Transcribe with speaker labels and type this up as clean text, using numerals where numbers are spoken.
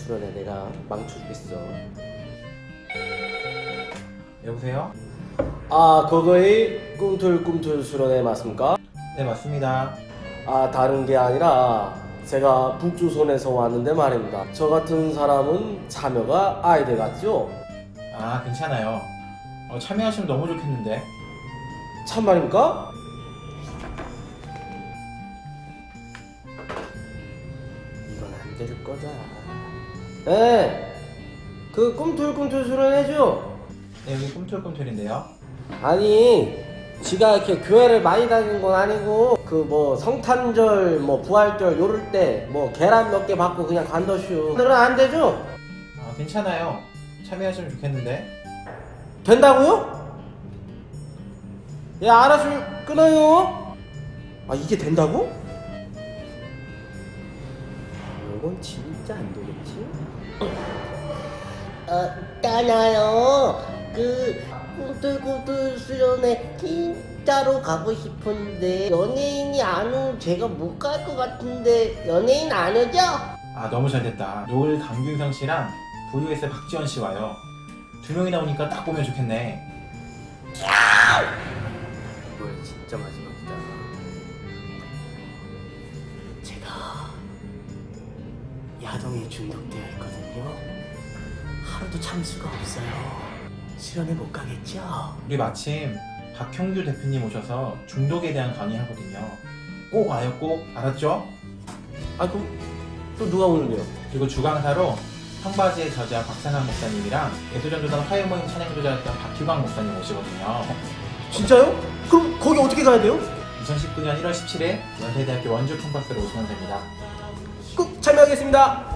Speaker 1: 수련회 내가 망쳐주겠어.
Speaker 2: 여보세요?
Speaker 1: 아, 그거의 꿈틀꿈틀 수련회 맞습니까?
Speaker 2: 네, 맞습니다.
Speaker 1: 아, 다른 게 아니라 제가 북조선에서 왔는데 말입니다. 저 같은 사람은 참여가 아예 돼갔죠?
Speaker 2: 아, 괜찮아요. 참여하시면 너무 좋겠는데.
Speaker 1: 참말입니까? 이건 안 될 거다. 네, 그 꿈틀꿈틀 수련회죠?
Speaker 2: 네, 여기 꿈틀꿈틀인데요.
Speaker 1: 아니, 지가 이렇게 교회를 많이 다니는 건 아니고 그 뭐 성탄절 뭐 부활절 요럴 때 뭐 계란 몇 개 받고 그냥 간더슈. 오늘은 안 되죠?
Speaker 2: 아, 괜찮아요. 참여하시면 좋겠는데.
Speaker 1: 된다고요? 예, 알아서 끊어요. 아, 이게 된다고? 이건 진짜 안 되겠지?
Speaker 3: 있잖아요. 그 꿈틀꿈틀 수련회 진짜로 가고 싶은데 연예인이 안 오면 제가 못 갈 것 같은데 연예인 안 오죠?
Speaker 2: 아, 너무 잘 됐다. 노을 강균성 씨랑 VOS의 박지원 씨 와요. 두 명이 나오니까 딱 보면 좋겠네.
Speaker 1: 이번엔 진짜 마지막이다. 제가 야동에 중독되어 있거든요. 하루도 참 수가 없어요. 수련회 못 가겠죠?
Speaker 2: 우리 마침 박형규 대표님 오셔서 중독에 대한 강의하거든요. 꼭 와요, 꼭. 알았죠?
Speaker 1: 아, 그럼 또 누가 오는데요?
Speaker 2: 그리고 주강사로 청바지의 저자 박상한 목사님이랑 예수전도단 화요모임 찬양조자였던 박규광 목사님 오시거든요.
Speaker 1: 진짜요? 그럼 거기 어떻게 가야 돼요?
Speaker 2: 2019년 1월 17일 연세대학교 원주 캠퍼스로 오시면 됩니다.
Speaker 1: 꼭 참여하겠습니다.